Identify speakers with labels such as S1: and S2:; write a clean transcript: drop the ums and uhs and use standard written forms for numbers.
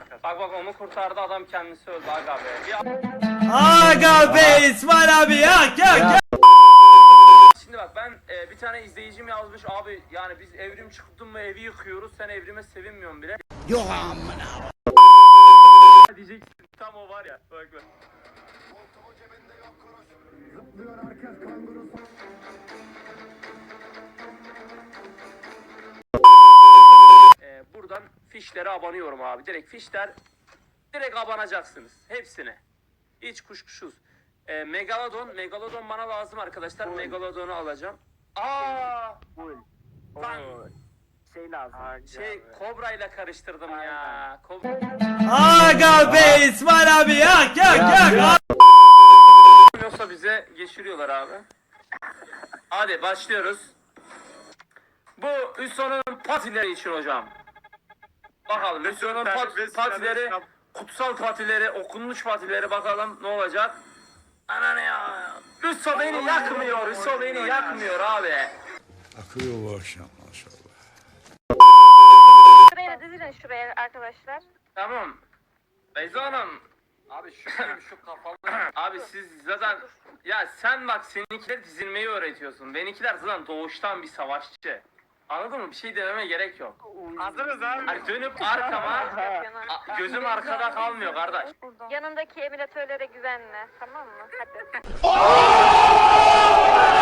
S1: Bak onu kurtardı adam kendisi öldü aga be.
S2: Aga be İsmail abi ya.
S1: Şimdi bak ben bir tane izleyicim yazmış abi yani biz evrim çıktın mı evi yıkıyoruz sen evrime sevinmiyorsun bile.
S3: Yok amına.
S1: Diyeceksin tam o var ya bak. Buradan fişlere abanıyorum abi. Direkt abanacaksınız. Hepsine. Hiç kuşkusuz. Megalodon bana lazım arkadaşlar. Megalodon'u alacağım. Lan.
S4: Şey lazım.
S1: Kobra ile karıştırdım ya.
S2: Aga be İsmail abi ya.
S1: Yoksa bize geçiriyorlar abi. Hadi başlıyoruz. Bu Hüsnü'nün patileri için hocam. Bakalım Hüsnü'nün patileri, kutsal patileri, okunmuş patileri bakalım ne olacak. Ananı ya. Hüsnü beni yakmıyor abi.
S3: Akıyor bu akşam maşallah.
S5: Şuraya dizilin şuraya arkadaşlar.
S1: Tamam. Beyza Hanım.
S4: Abi şu kafalı.
S1: Abi siz zaten ya sen bak seninkiler dizilmeyi öğretiyorsun. Benimkiler zaten doğuştan bir savaşçı. Anladın mı? Bir şey dememe gerek yok.
S4: Hazırız abi.
S1: Hani dönüp arkama gözüm arkada kalmıyor kardeş.
S5: Yanındaki emülatörlere güvenme, tamam mı? Hadi.